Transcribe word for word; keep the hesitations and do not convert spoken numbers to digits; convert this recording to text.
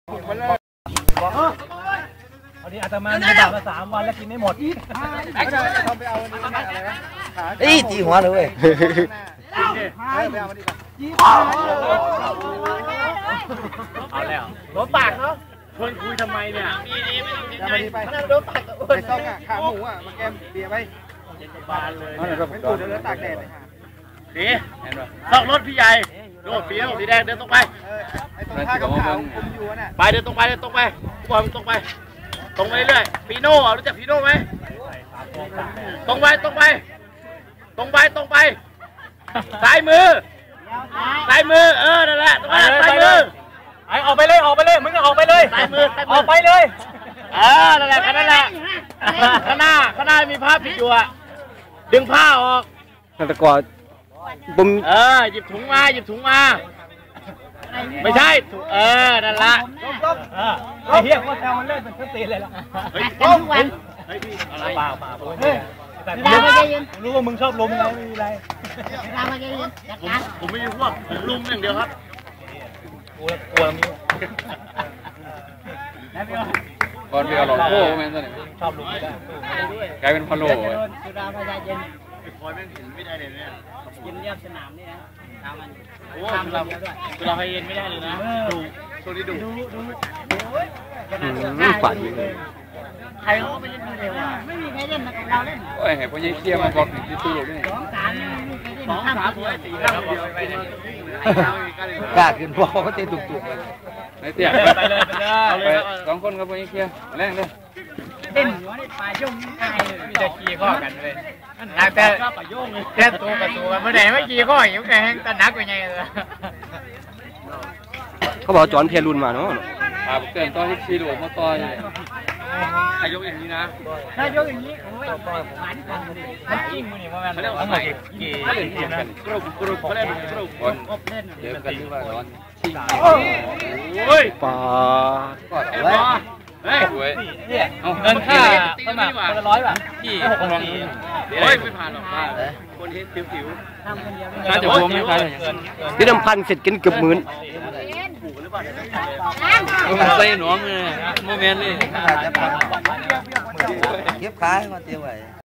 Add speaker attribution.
Speaker 1: วันนี้อาตมามีบาปมาสามวันแล้วกินไม่หมด
Speaker 2: เอ้ยตีหัวเลยเว้ย
Speaker 1: เอาแล้วรถปากเนาะชวนคุยทำไมเนี่ย
Speaker 2: ไปโดนปากไปต้องอ่ะขาหมูอ่ะมาแกมเบียร์ไป
Speaker 1: บานเลย
Speaker 2: ไม่ตูดเดี๋ยวตากแดดเลย
Speaker 1: สีนอกรถพี่ใหญ่โดดสีสีแดงเดินตรงไป
Speaker 2: ไอ้ตรงท่ากับขาวคุมอยู่น่ะ
Speaker 1: ไปเดินตรงไปเดินตรงไปบอลตรงไปตรงไปเรื่อยปีโน่รู้จักปีโน่ไหมตรงไปตรงไปตรงไปตรงไปซ้ายมือซ้ายมือเออนั่นแหละตรงนั้นซ้ายมือไอออกไปเลยออกไปเลยมึงก็ออกไปเลยซ้ายมือออกไปเลยเออนั่นแหละนั่นแหละข้างหน้าข้างหน้ามีผ้าปิดอยู่อะดึงผ้าออก
Speaker 3: ตะกอดบุ้ม
Speaker 1: เออหยิบถุงมาหยิบถุงมาไม่ใช่เออนั่นละไอ้เหี้ยว่าแซวมันเล่นเป็นสตีเลยล่ะเฮ้ยทุกวันเฮ้ยพี่อะไรเปล่าเปล่าเฮ้ยแต่รู้ว่ามึงชอบลุมไงไม่มีอะไรผมผมไม่มีพวกผมลุมอย่างเดียวครับกลัวกลัวมี
Speaker 3: ก่อนเบียร์หลอกโค้แม่นตัวนี้
Speaker 1: ชอบลุมไม่ได้
Speaker 3: กลายเป็นพะโล้
Speaker 1: สุดาพยาเย็นไอ้พลอยแม่งเห็นไม่ได้เลยเนี่ยยินเรียบสนามนี่นะตามมันโอ้เราสุดาพยาเย็นไม่ได้เลยนะดูตัวนี้ดูดูดู
Speaker 3: ฝันเลย
Speaker 1: ใครเขาไปเล่นมือเร็วอ่ะไม่มีใครเล่นมาเราเล่น
Speaker 3: โอ้ยให้พ่อยิ่งเคลียร์มาบอกที่ตู้นี่
Speaker 1: สองสามสองสามสี่ห้าเดียวไปเลย
Speaker 2: กล้าขึ้นพวกเขาเตะตุกๆเลย
Speaker 3: ไอ้เตี้ย
Speaker 1: ไปเลยไปเลย
Speaker 3: สองคนครับพ่อยิ่งเคลียร์แรงเลย
Speaker 1: เต้นอยู่ในป่าย่งไก่มีแต่ขี่ข้อกันเลยแต่แต่ตัวกับตัวเมื่อไหร่ไม่ขี่ข้ออยู่แค่ตะนักเป็นไงเลย
Speaker 3: เขาบอกจอนเพียรุนมาเนาะครับเกินตอนที่ขี่หลวงมาต่อยถ้ายกอย่างนี้นะ
Speaker 1: ถ้ายกอย่างนี้โอ้ยหวานกันมันจิ้มมันนี่มันเขาเรียกว่าอะไรกี่กี่กันกรุบกรุบเขาเรียกกรุบคน
Speaker 3: เดี๋ยวกันที่ว่าร้อนชิง
Speaker 1: โอ้ย
Speaker 3: ปลา
Speaker 1: ก็ไว้เฮ้ยเนี่ยเงินค่าสมัครคนละร้อยบาทที่หกคนนี้เฮ้ยไม่ผ่านหรอกป้าคนที่ติ๋วๆทำคนเดียวน่าจะรวมไม่ผ่าน
Speaker 3: ที่น้ำพันเสร็จกินเกือบหมื่นใส่หนองเลยโมเมนต์เลย
Speaker 2: เก็บขายมาเตี้ยไว้